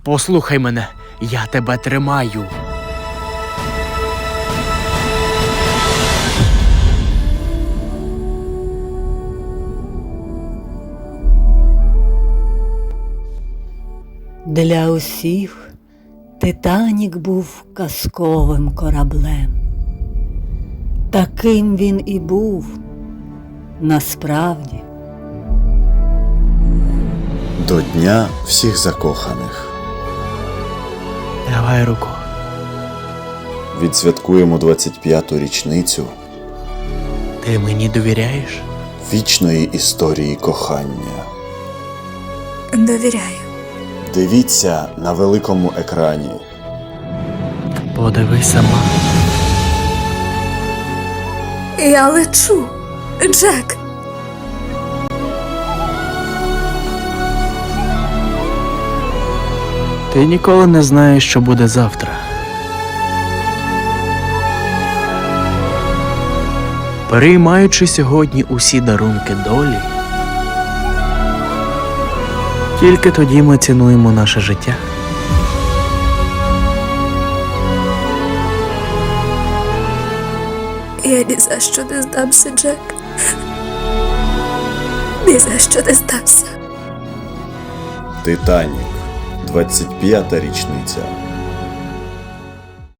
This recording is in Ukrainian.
Послухай мене, я тебе тримаю. Для усіх Титанік був казковим кораблем. Таким він і був насправді. До Дня всіх закоханих. Давай руку. Відсвяткуємо 25-ту річницю Ти мені довіряєш? вічної історії кохання. Довіряю. Дивіться на великому екрані. Подивись сама. Я лечу. Джек. Ти ніколи не знаєш, що буде завтра. Переймаючи сьогодні усі дарунки долі, тільки тоді ми цінуємо наше життя. Я ні за що не здамся, Джек. Ні за що не здамся. Титанік. 25-та річниця.